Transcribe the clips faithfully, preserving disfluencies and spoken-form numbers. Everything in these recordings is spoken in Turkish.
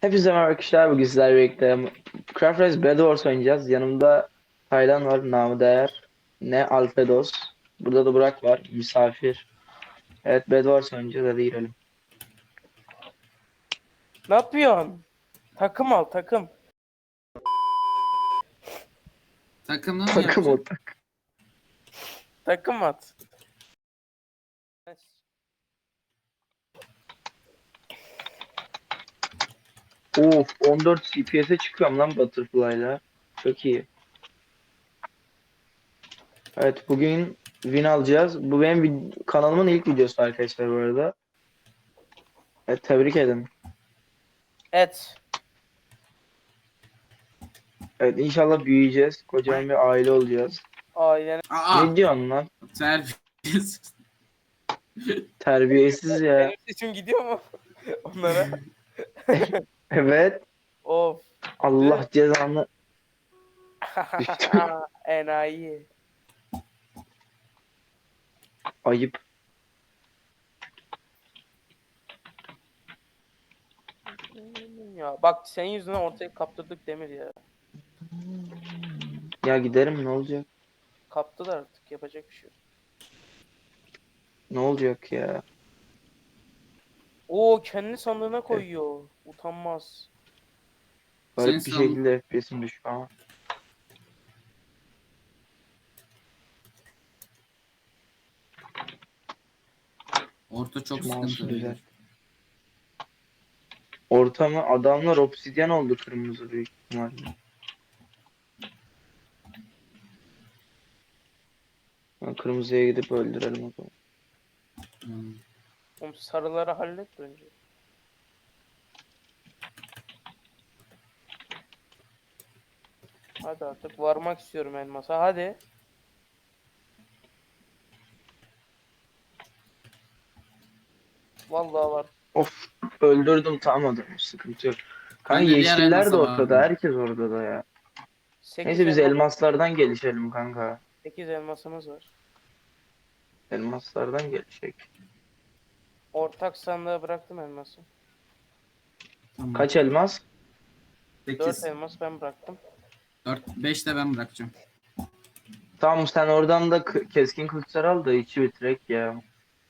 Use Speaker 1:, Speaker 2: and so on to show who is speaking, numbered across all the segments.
Speaker 1: Hepinize merhaba arkadaşlar. Bugün sizlerle birlikte Craft Race Bed Wars oynayacağız. Yanımda Taylan var, namı değer. Ne Alfredos. Burada da Burak var, misafir. Evet, Bed Wars oynayacağız. Hadi girelim.
Speaker 2: Ne yapıyorsun? Takım al takım.
Speaker 3: Takımla mı
Speaker 1: Takım
Speaker 3: yapacaksın?
Speaker 1: ortak.
Speaker 2: Takım at.
Speaker 1: Of, on dört F P S'e çıkıyorum lan Butterfly'la. Çok iyi. Evet, bugün win alacağız. Bu benim vid- kanalımın ilk videosu arkadaşlar bu arada. Evet, tebrik edin.
Speaker 2: Et.
Speaker 1: Evet, inşallah büyüyeceğiz. Kocaman bir aile olacağız.
Speaker 2: Ailene.
Speaker 3: Aa!
Speaker 1: Ne diyorsun lan?
Speaker 3: Terbiyesiz.
Speaker 1: Terbiyesiz ya.
Speaker 2: Benim sesim gidiyor mu? Onlara.
Speaker 1: Evet.
Speaker 2: Of.
Speaker 1: Allah cezanı.
Speaker 2: Enayi.
Speaker 1: Ayıp.
Speaker 2: Ya bak senin yüzünden ortaya kaptırdık Demir ya.
Speaker 1: Ya giderim, ne olacak?
Speaker 2: Kaptılar artık, yapacak bir şey yok.
Speaker 1: Ne olacak ya?
Speaker 2: Oo, kendi sandığına koyuyor. Utanmaz.
Speaker 3: Senin
Speaker 1: Garip bir
Speaker 3: son
Speaker 1: şekilde F P S'im düşüyor ama.
Speaker 3: orta çok
Speaker 1: Şu mouse'u
Speaker 3: sıkıntı
Speaker 1: düzelt.
Speaker 3: beyler.
Speaker 1: Ortamı adamlar obsidyen oldu, kırmızı büyük ihtimalle. Ben kırmızıya gidip öldürelim o zaman.
Speaker 3: Hmm.
Speaker 2: Oğlum sarıları hallet önce. Hadi artık varmak istiyorum elmasa, hadi. Vallahi var.
Speaker 1: Of, öldürdüm, tam adamı, sıkıntı yok. Kanka
Speaker 3: Ben de diğer
Speaker 1: yeşiller de
Speaker 3: elmasa
Speaker 1: ortada,
Speaker 3: vardım.
Speaker 1: herkes orada da ya.
Speaker 2: sekiz
Speaker 1: Neyse biz
Speaker 2: elma
Speaker 1: elmaslardan gelişelim kanka.
Speaker 2: sekiz elmasımız var.
Speaker 1: Elmaslardan gelişecek.
Speaker 2: Ortak sandığa bıraktım elması.
Speaker 3: Tamam.
Speaker 1: Kaç elmas?
Speaker 2: dört
Speaker 3: sekiz.
Speaker 2: elmas ben bıraktım.
Speaker 3: dört, beş de ben bırakacağım.
Speaker 1: Tamam, sen oradan da k- keskin kılıçlar al da içi bitirek ya.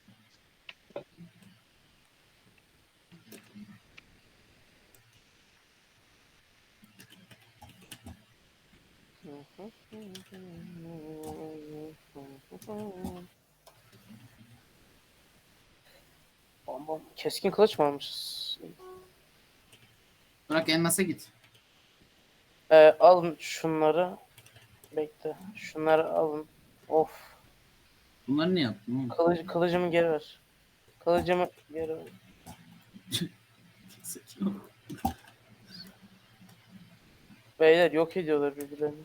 Speaker 2: Bam bam. Keskin kılıç mı almışız?
Speaker 3: Bırak elmasa git.
Speaker 2: Ee, alın şunları. Bekle. Şunları alın. Of.
Speaker 3: Bunları ne yaptın oğlum?
Speaker 2: Kılıcı, kılıcımı geri ver. Kılıcımı geri ver. Beyler yok ediyorlar birbirlerini.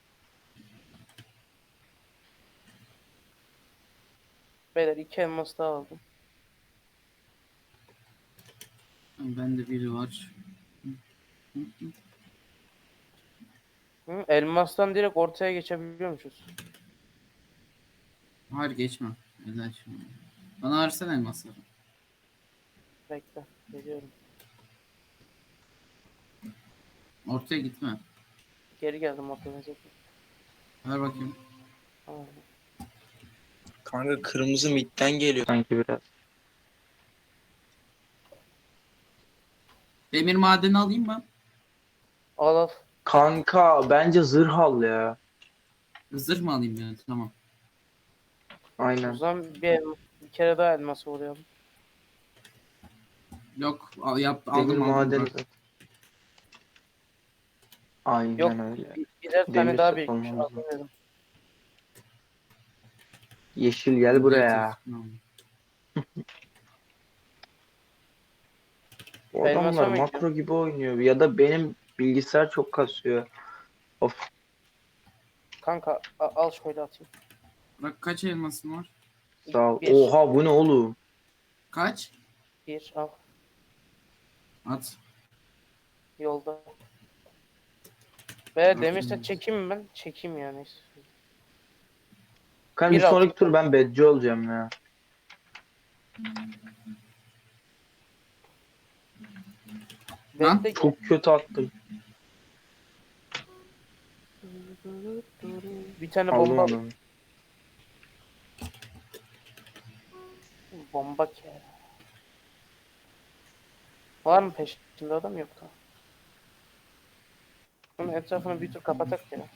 Speaker 2: Beyler iki elmas daha aldım.
Speaker 3: Bende biri var.
Speaker 2: Hı, elmastan direkt ortaya geçebiliyormuşuz.
Speaker 3: Hayır geçme. Güzel şey. Bana versene elmasları.
Speaker 2: Bekle. Geliyorum.
Speaker 3: Ortaya gitme.
Speaker 2: Geri geldim ortaya.
Speaker 3: Ver bakayım.
Speaker 2: Tamam.
Speaker 1: Kanka kırmızı midden geliyor sanki biraz.
Speaker 3: Demir madeni alayım mı?
Speaker 2: Al al.
Speaker 1: Kanka bence zırh al ya.
Speaker 3: Zırh mı alayım yani? Tamam.
Speaker 2: O
Speaker 1: Aynen.
Speaker 2: zaman bir, elma- bir kere daha elmas uğrayalım.
Speaker 3: Yok al, yap,
Speaker 1: Demir
Speaker 3: aldım aldım
Speaker 1: madeni
Speaker 3: bırak.
Speaker 1: zaten. Aynen
Speaker 2: Yok,
Speaker 1: öyle.
Speaker 2: bir, birer tane
Speaker 1: Demir
Speaker 2: daha
Speaker 1: set
Speaker 2: birikmiş.
Speaker 1: olmamız lazım.
Speaker 2: Alıyorum.
Speaker 1: Yeşil gel buraya.
Speaker 3: Tamam.
Speaker 1: Bu
Speaker 2: Elmasa
Speaker 1: adamlar
Speaker 2: mı
Speaker 1: makro
Speaker 2: gidiyor?
Speaker 1: gibi oynuyor ya da benim bilgisayar çok kasıyor. Of,
Speaker 2: Kanka a- al şöyle atayım.
Speaker 3: Bırak kaç elmasın var?
Speaker 1: sağ ol.
Speaker 2: Bir.
Speaker 1: Oha, bu ne oğlum?
Speaker 3: Kaç?
Speaker 2: Bir al.
Speaker 3: At.
Speaker 2: Yolda. Veya demirse
Speaker 3: Aferin.
Speaker 2: çekeyim mi ben? Çekeyim yani.
Speaker 1: Kanka bir
Speaker 2: Bir
Speaker 1: sonraki
Speaker 2: altı.
Speaker 1: tur ben bedci olacağım ya.
Speaker 3: Lan,
Speaker 2: Bekle.
Speaker 1: Çok kötü attım.
Speaker 2: Bir tane
Speaker 1: Aldım
Speaker 2: bomba.
Speaker 1: onu.
Speaker 2: Bomba ki. Var mı peşinde adam yok da. Bunun etrafını bir tur kapatak ya.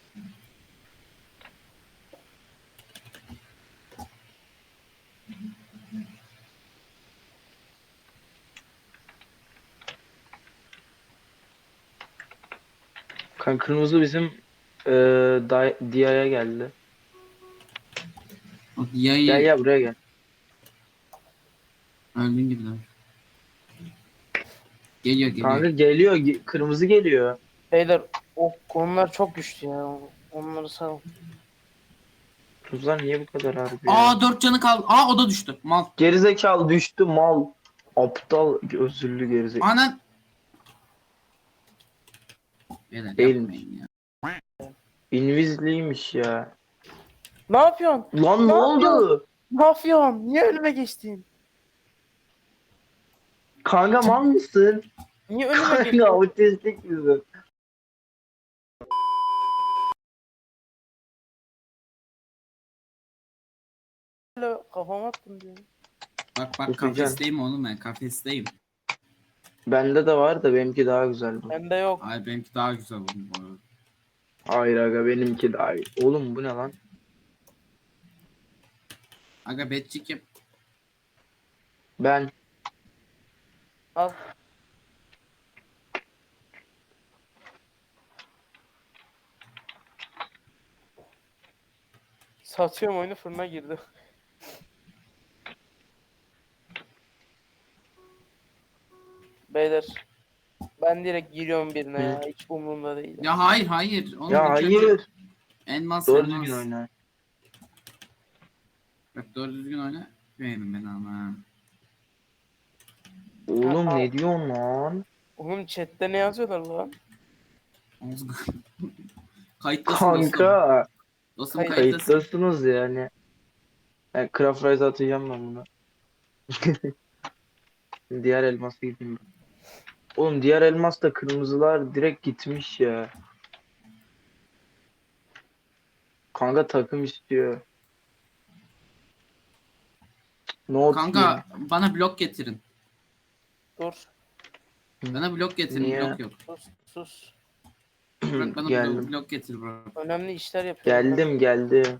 Speaker 1: Kan kırmızı bizim e, Di- Dia'ya geldi.
Speaker 3: o
Speaker 1: Gel
Speaker 3: yayı
Speaker 1: gel buraya gel.
Speaker 3: öldün gibi lan. Geliyor
Speaker 1: Kanka
Speaker 3: geliyor.
Speaker 1: geliyor. ge- Kırmızı geliyor.
Speaker 2: Beyler o konular çok güçlü ya. Onları sağ
Speaker 1: Kırmızılar niye bu kadar harbi ya?
Speaker 3: Aa dört canı kaldı. Aa o da düştü. Mal.
Speaker 1: Gerizekalı düştü mal. Aptal özürlü gerizekalı.
Speaker 3: Anan. Beyler
Speaker 1: Değilmiş.
Speaker 3: yapmayın ya.
Speaker 1: Invisible'ymiş ya.
Speaker 2: Ne yapıyorsun?
Speaker 1: Lan ne
Speaker 2: Ne
Speaker 1: oldu?
Speaker 2: Ne yapıyorsun? Niye önüme geçtin?
Speaker 1: Kanka mal mısın?
Speaker 2: Niye önüme
Speaker 1: Kanka
Speaker 2: geçtin?
Speaker 1: otistik misin?
Speaker 2: Böyle kafama attın diyor.
Speaker 3: Bak bak
Speaker 1: Okuyacaksın.
Speaker 3: kafesteyim oğlum ben kafesteyim.
Speaker 1: Bende de var da benimki daha güzel bu.
Speaker 2: Bende yok.
Speaker 3: Ay benimki daha güzel oğlum bu arada.
Speaker 1: Hayır aga benimki daha iyi. Oğlum bu ne lan?
Speaker 3: Aga betçik yap.
Speaker 1: Ben
Speaker 2: Al. Satıyorum oyunu fırına girdi. Beyler. Ben direkt giriyorum birine ya. Hiç umurumda değil.
Speaker 3: Ya hayır hayır. Oğlum
Speaker 1: ya
Speaker 3: ilk önce
Speaker 1: hayır.
Speaker 3: elmas
Speaker 1: Doğru
Speaker 3: elmas.
Speaker 1: düzgün oyna.
Speaker 3: Bak doğru düzgün oyna. Beğenin beni ama.
Speaker 1: Oğlum
Speaker 2: Ha,
Speaker 1: ne diyorsun lan?
Speaker 2: Oğlum chatte ne yazıyorlar lan?
Speaker 3: Oğuz- Kayıttasın dostum.
Speaker 1: Kanka.
Speaker 3: Dostum
Speaker 2: Kayıt-
Speaker 3: kayıttasın.
Speaker 1: Kayıttasınız yani. Yani Craft Rise atacağım ben buna. Diğer elmasa gideyim ben. Oğlum diğer elmas da kırmızılar direkt gitmiş ya. Kanka takım istiyor. Not
Speaker 3: Kanka bana blok getirin.
Speaker 2: Dur.
Speaker 3: Bana blok getirin.
Speaker 1: Niye?
Speaker 3: Blok yok.
Speaker 2: Sus. Sus.
Speaker 3: Bırak bana blok,
Speaker 1: geldim.
Speaker 3: blok getir bro.
Speaker 2: Önemli işler yapıyorum.
Speaker 1: Geldim geldim.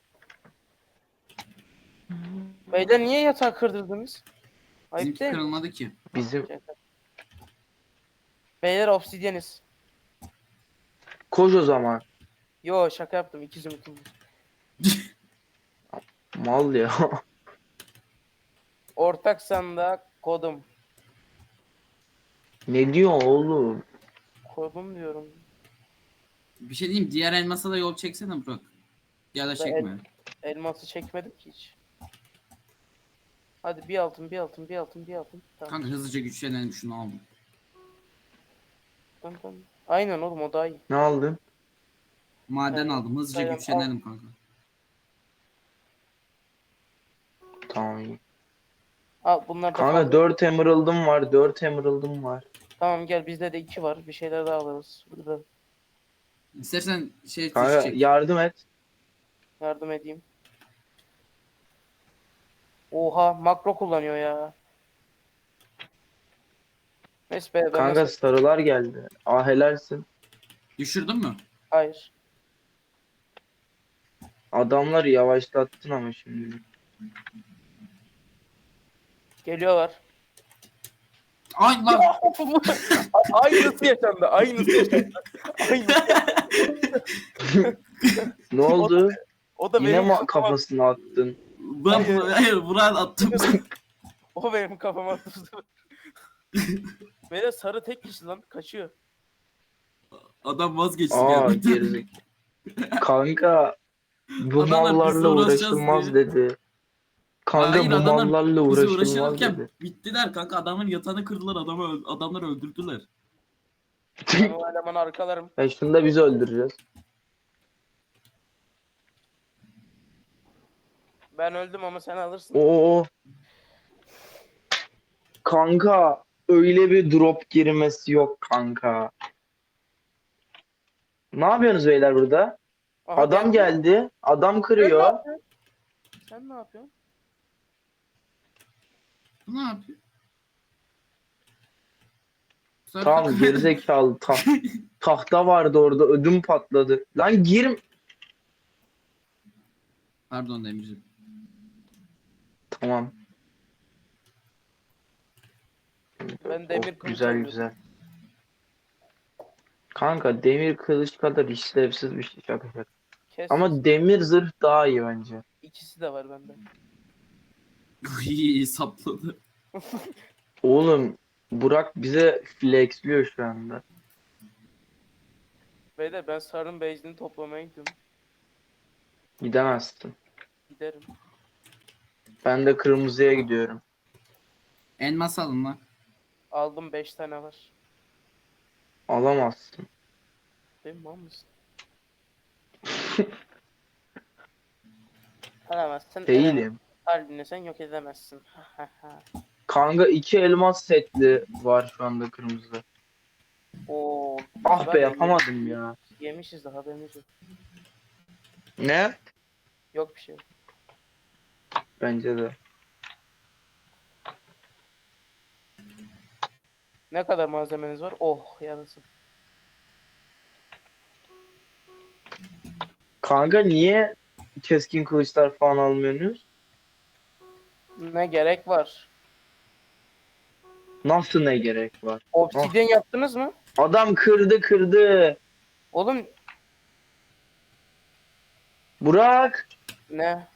Speaker 2: Beyler niye yatağı kırdırdınız? Ayıp
Speaker 3: Bizimki
Speaker 2: değil mi?
Speaker 3: kırılmadı ki.
Speaker 1: Bizim
Speaker 2: Beyler obsidyeniz.
Speaker 1: koş o zaman.
Speaker 2: Yo şaka yaptım. İki zümrütüm var.
Speaker 1: Mal ya.
Speaker 2: Ortak sandığa kodum.
Speaker 1: Ne diyor oğlum?
Speaker 2: Kodum diyorum.
Speaker 3: Bir şey diyeyim diğer elmasa da yol çeksene Burak. Ya da
Speaker 2: Ben
Speaker 3: çekme.
Speaker 2: Elması çekmedim ki hiç. Hadi bir altın, bir altın, bir altın, bir altın. Tamam.
Speaker 3: Kanka hızlıca güçlenelim şunu aldım.
Speaker 2: Tamam, tamam. Aynen oğlum o daha iyi.
Speaker 1: Ne aldın?
Speaker 3: Maden
Speaker 2: Evet,
Speaker 3: aldım hızlıca
Speaker 2: aynen,
Speaker 3: güçlenelim kanka.
Speaker 1: Tamam iyi.
Speaker 2: Al bunlar da
Speaker 1: Kanka
Speaker 2: fazla.
Speaker 1: dört emerald'ım var. dört emerald'ım var.
Speaker 2: Tamam gel bizde de iki var. Bir şeyler daha alırız. Burada
Speaker 3: İstersen şey
Speaker 1: Kanka
Speaker 3: çek.
Speaker 1: yardım et.
Speaker 2: yardım edeyim. Oha makro kullanıyor ya. Neyse be ben
Speaker 1: Kanka
Speaker 2: nasıl...
Speaker 1: sarılar geldi. Ah helalsin.
Speaker 3: Düşürdün mü?
Speaker 2: Hayır.
Speaker 1: Adamları yavaşlattın ama şimdi.
Speaker 2: Geliyorlar.
Speaker 3: Ay lan.
Speaker 2: Aynısı yaşandı. Aynısı yaşandı. Aynısı.
Speaker 1: Ne oldu?
Speaker 2: O da
Speaker 1: Yine
Speaker 2: benim
Speaker 1: mi
Speaker 2: kafama,
Speaker 1: kafasına attın?
Speaker 3: Ben hayır Burak'ı attım.
Speaker 2: o benim kafama attı. Böyle sarı tek kişi lan kaçıyor.
Speaker 3: Adam vazgeçti
Speaker 1: Aa
Speaker 3: geldi.
Speaker 1: gerizek. Kanka bu
Speaker 3: Adamlar bizle
Speaker 1: mallarla
Speaker 3: uğraşacağız
Speaker 1: uğraşılmaz
Speaker 3: diye.
Speaker 1: dedi. Kanka
Speaker 3: Hayır,
Speaker 1: bu
Speaker 3: adamlar
Speaker 1: mallarla
Speaker 3: Bizi
Speaker 1: uğraşılmaz
Speaker 3: uğraşırken
Speaker 1: dedi.
Speaker 3: bittiler kanka adamın yatağını kırdılar adamı öl- adamları öldürdüler.
Speaker 2: Ben o elemanı arkalarım.
Speaker 1: Ya şunu da biz öldüreceğiz.
Speaker 2: Ben öldüm ama sen alırsın.
Speaker 1: Oo. Kanka öyle bir drop girmesi yok kanka. Ne yapıyorsunuz beyler burada?
Speaker 2: Aha,
Speaker 1: Adam geldi. Adam
Speaker 2: Sen ne
Speaker 1: kırıyor.
Speaker 2: yapıyorsun? Sen ne yapıyorsun?
Speaker 3: Bu ne yapıyor? Sarı
Speaker 1: Tamam
Speaker 3: takım-
Speaker 1: gerizekalı ta tahta vardı orada ödüm patladı. Lan girim.
Speaker 3: Pardon Demirciğim.
Speaker 1: Tamam.
Speaker 2: Ben demir
Speaker 1: Of,
Speaker 2: kılıç
Speaker 1: güzel
Speaker 2: alıyorum.
Speaker 1: güzel. Kanka demir kılıç kadar işlevsiz bir şey şaka şaka.
Speaker 2: Kes.
Speaker 1: Ama demir zırh daha iyi bence.
Speaker 2: İkisi de var bende.
Speaker 3: İyi sapladı.
Speaker 1: Oğlum Burak bize flexliyor şu anda.
Speaker 2: Beyler ben sarının base'ini toplamaya gidiyorum.
Speaker 1: Gidemezsin.
Speaker 2: Giderim.
Speaker 1: Ben de kırmızıya gidiyorum.
Speaker 3: Elmas alın lan.
Speaker 2: Aldım beş tane var.
Speaker 1: Alamazsın.
Speaker 2: Değil mi? Mal mısın? Alamazsın.
Speaker 1: Değilim.
Speaker 2: Kalbini sen yok edemezsin.
Speaker 1: Kanka iki elmas setli var şu anda kırmızıda.
Speaker 2: Oo.
Speaker 1: Ah
Speaker 2: ben
Speaker 1: be yapamadım ya.
Speaker 2: Yemişiz de haberimiz yok.
Speaker 1: Ne?
Speaker 2: Yok bir şey.
Speaker 1: Bence de.
Speaker 2: Ne kadar malzemeniz var? Oh yarısı.
Speaker 1: Kanka niye keskin kılıçlar falan almıyorsunuz?
Speaker 2: Ne gerek var?
Speaker 1: Nasıl ne gerek var?
Speaker 2: Obsidyen yaptınız mı?
Speaker 1: Adam kırdı kırdı.
Speaker 2: Oğlum
Speaker 1: Burak
Speaker 2: ne?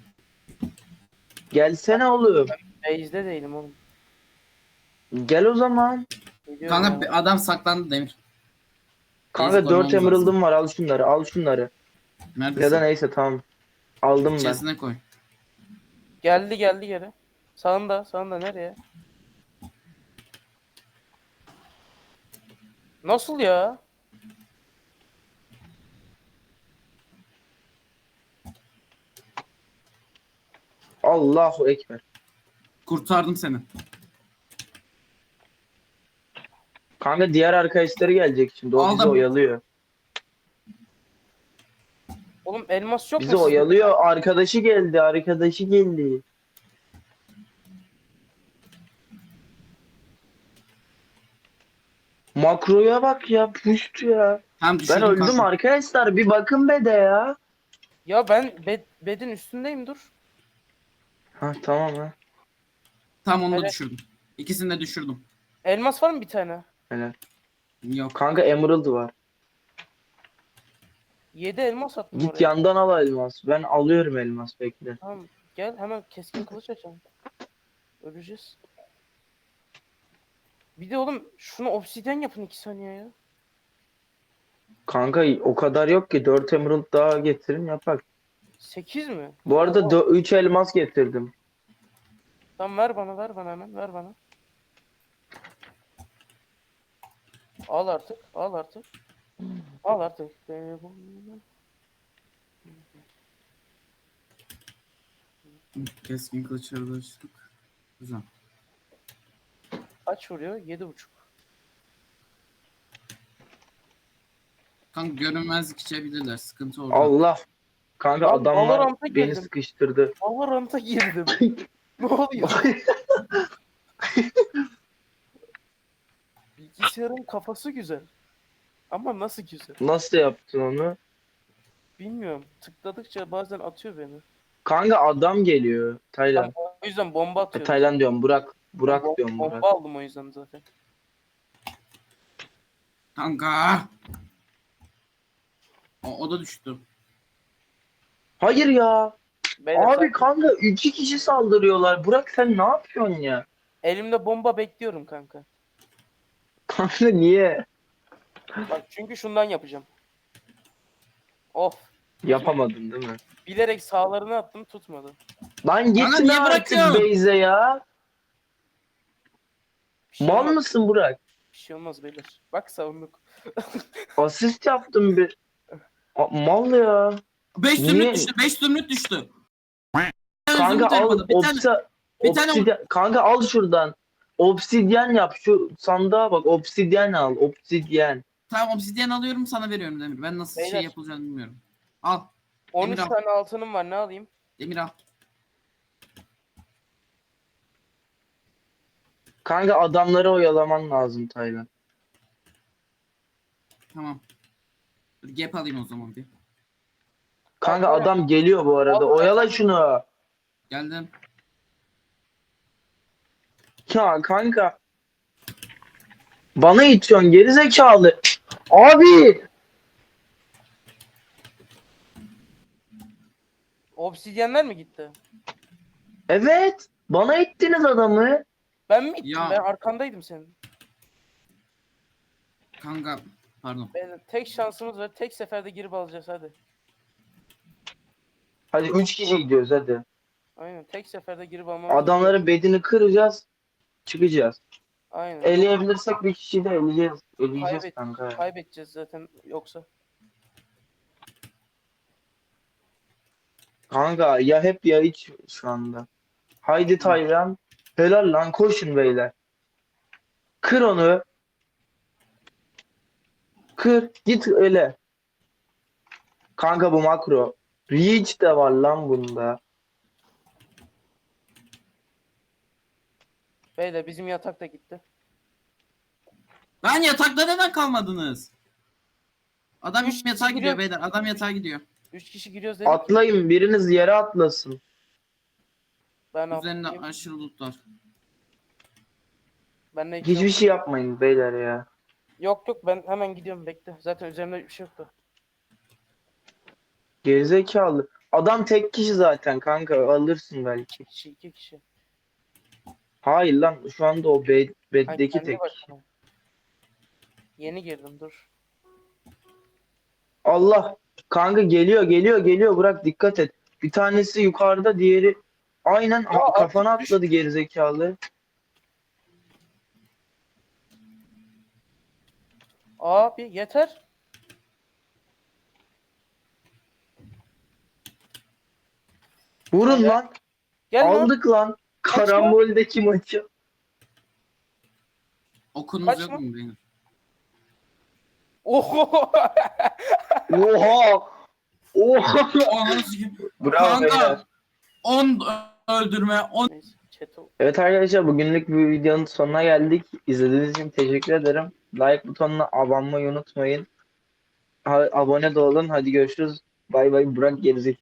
Speaker 1: gelsene oğlum.
Speaker 2: Base'de değilim oğlum.
Speaker 1: Gel o zaman.
Speaker 2: Gidiyorum
Speaker 3: Kanka
Speaker 2: ya.
Speaker 3: bir adam saklandı Demir.
Speaker 1: Kanka
Speaker 3: Neyse,
Speaker 1: dört
Speaker 3: koymamız
Speaker 1: emerald'ım var al şunları al şunları.
Speaker 3: Neredesin?
Speaker 1: Ya da neyse tamam. Aldım ben.
Speaker 3: İçerisine koy.
Speaker 2: Geldi geldi geri. Sağında sağında nereye? Nasıl ya?
Speaker 1: Allahu Ekber.
Speaker 3: Kurtardım seni.
Speaker 1: Kanka diğer arkadaşları gelecek şimdi. O bizi
Speaker 3: Aldım.
Speaker 1: oyalıyor.
Speaker 2: Oğlum elmas yok
Speaker 1: Bizi
Speaker 2: mu sizde?
Speaker 1: oyalıyor. Arkadaşı geldi. Arkadaşı geldi. Makroya bak ya. Puşt ya.
Speaker 3: Tam
Speaker 1: Ben
Speaker 3: düşürdüm
Speaker 1: öldüm
Speaker 3: kanka.
Speaker 1: arkadaşlar. Bir bakın be de ya.
Speaker 2: Ya ben bed, bedin üstündeyim dur.
Speaker 1: Ha tamam ha.
Speaker 3: Tam onu da
Speaker 2: Hele-
Speaker 3: düşürdüm. İkisini de düşürdüm.
Speaker 2: Elmas var mı bir tane?
Speaker 1: Helal.
Speaker 3: Yok.
Speaker 1: Kanka Emerald var.
Speaker 2: yedi elmas attım
Speaker 1: Git
Speaker 2: oraya.
Speaker 1: yandan al elmas. Ben alıyorum elmas bekle.
Speaker 2: Tamam gel hemen keskin kılıç açalım. Öleceğiz. Bir de oğlum şunu obsidyen yapın iki saniye ya.
Speaker 1: Kanka o kadar yok ki. dört Emerald daha getirin yapak.
Speaker 2: sekiz mi?
Speaker 1: Bu arada üç elmas getirdim.
Speaker 2: Tamam ver bana ver bana hemen ver bana. Al artık al artık. Al artık.
Speaker 3: Keskin kılıçları da açtık. Güzel.
Speaker 2: Kaç vuruyor? Yedi buçuk.
Speaker 3: Kanka görünmezlik içebilirler. Sıkıntı orada.
Speaker 1: Allah. Kanka
Speaker 2: Lan
Speaker 1: adamlar
Speaker 2: Valorant'a
Speaker 1: beni
Speaker 2: girdim.
Speaker 1: sıkıştırdı.
Speaker 2: Valorant'a girdim. Ne oluyor? Bilgisayarın kafası güzel. Ama nasıl güzel?
Speaker 1: Nasıl yaptın onu?
Speaker 2: Bilmiyorum. Tıkladıkça bazen atıyor beni.
Speaker 1: Kanka adam geliyor.
Speaker 2: Ben
Speaker 1: Taylan.
Speaker 2: o yüzden bomba
Speaker 1: E,
Speaker 2: atıyorum.
Speaker 1: Taylan diyorum. Burak. Burak
Speaker 2: Bom-
Speaker 1: diyorum
Speaker 2: bomba
Speaker 1: Burak.
Speaker 2: aldım o yüzden zaten.
Speaker 3: Kanka. O, o da düştü.
Speaker 1: Hayır ya.
Speaker 2: Beyler,
Speaker 1: Abi
Speaker 2: sakin.
Speaker 1: kanka iki kişi saldırıyorlar. Burak sen ne yapıyorsun ya?
Speaker 2: Elimde bomba bekliyorum kanka.
Speaker 1: Kanka niye?
Speaker 2: Bak çünkü şundan yapacağım. Of.
Speaker 1: Yapamadın değil mi?
Speaker 2: Bilerek sağlarını attım tutmadı.
Speaker 1: Lan
Speaker 3: Kanka
Speaker 1: gitme
Speaker 3: niye
Speaker 1: artık
Speaker 3: bırakıyorsun?
Speaker 1: Beyze ya.
Speaker 2: Bir şey,
Speaker 1: Mal
Speaker 2: olmaz,
Speaker 1: mısın Burak?
Speaker 2: bir şey olmaz beyler. Bak savunduk.
Speaker 1: Asist yaptım bir. A- mal ya.
Speaker 3: beş
Speaker 1: Niye?
Speaker 3: zümrüt düştü. beş zümrüt düştü.
Speaker 1: Kanka
Speaker 3: Zümrüt
Speaker 1: al
Speaker 3: elmadı. Bir tane.
Speaker 1: opsa,
Speaker 3: bir tane
Speaker 1: obsidi- kanka al şuradan. Obsidyen yap. Şu sandığa bak. Obsidyen al. Obsidyen.
Speaker 3: Tamam obsidyen alıyorum sana veriyorum Demir. Ben nasıl
Speaker 2: Beyler.
Speaker 3: şey yapılacağını bilmiyorum. Al.
Speaker 2: on
Speaker 3: Demir
Speaker 2: üç
Speaker 3: al.
Speaker 2: tane altınım var, ne alayım?
Speaker 3: Demir al.
Speaker 1: Kanka adamları oyalaman lazım Taylan.
Speaker 3: Tamam. Dur gap alayım o zaman bir.
Speaker 1: Kanka
Speaker 2: Al,
Speaker 1: adam geliyor bu arada.
Speaker 2: al.
Speaker 1: Oyala şunu.
Speaker 3: Geldim.
Speaker 1: Ya kanka. Bana itiyorsun geri zekalı. Abi.
Speaker 2: Obsidyenler mi gitti?
Speaker 1: Evet. Bana ittiniz adamı.
Speaker 2: Ben mi gittim?
Speaker 3: Ya.
Speaker 2: Ben arkandaydım senin.
Speaker 3: Kanka. Pardon.
Speaker 2: Ben, tek şansımız var. Tek seferde girip alacağız hadi.
Speaker 1: Hadi üç kişi gidiyoruz hadi.
Speaker 2: Aynen. Tek seferde girip almamız
Speaker 1: Adamların bedini kıracağız. Çıkacağız.
Speaker 2: Aynen.
Speaker 1: Eleyebilirsek bir kişiyi de eleyeceğiz. Eleyeceğiz
Speaker 2: Kaybet-
Speaker 1: kanka.
Speaker 2: Kaybedeceğiz zaten yoksa.
Speaker 1: Kanka ya hep ya hiç şu anda. Haydi Taylan. Helal lan koşun beyler. Kır onu. Kır. Git öyle. Kanka bu makro. Reach de var lan bunda.
Speaker 2: Beyler bizim yatak da gitti.
Speaker 3: Lan yatakta neden kalmadınız? Adam
Speaker 2: Üç
Speaker 3: yatağa
Speaker 2: kişi
Speaker 3: gidiyor
Speaker 2: giriyor.
Speaker 3: beyler. Adam yatağa gidiyor.
Speaker 2: Üç kişi giriyoruz dedik.
Speaker 1: Atlayın biriniz yere atlasın.
Speaker 2: Ben
Speaker 3: Üzerinde
Speaker 2: atlayayım.
Speaker 3: aşırı loot var.
Speaker 2: Ben de iki
Speaker 1: Hiçbir
Speaker 2: yok.
Speaker 1: şey yapmayın beyler ya.
Speaker 2: Yok yok ben hemen gidiyorum bekle. Zaten üzerimde bir şey yoktu.
Speaker 1: Gerizekalı. Adam tek kişi zaten kanka alırsın belki.
Speaker 2: İki kişi iki kişi.
Speaker 1: Hayır lan şu anda o bed,
Speaker 2: Ha,
Speaker 1: beddeki
Speaker 2: kendi
Speaker 1: tek.
Speaker 2: başına. Yeni girdim dur.
Speaker 1: Allah. Kanka geliyor geliyor geliyor bırak dikkat et. Bir tanesi yukarıda diğeri aynen
Speaker 2: Ya
Speaker 1: a- kafana
Speaker 2: artık düş-
Speaker 1: atladı gerizekalı.
Speaker 2: Abi yeter.
Speaker 1: Vurun
Speaker 2: Evet.
Speaker 1: lan.
Speaker 2: Gel lan.
Speaker 1: Aldık lan. Karamboldeki maçı.
Speaker 3: Okunuz
Speaker 2: Kaç
Speaker 3: yok
Speaker 2: mı?
Speaker 3: mu benim?
Speaker 2: Oho.
Speaker 1: Oha. Oha.
Speaker 3: Ananı sikeyim.
Speaker 1: Bravo beyler.
Speaker 3: Kanka. on öldürme. on
Speaker 2: Neyse, chat ol-
Speaker 1: Evet arkadaşlar bugünlük bir videonun sonuna geldik. İzlediğiniz için teşekkür ederim. Like butonuna abone olmayı unutmayın. Ha- abone de olun. Hadi görüşürüz. Bay bay. Burak gerizekalı.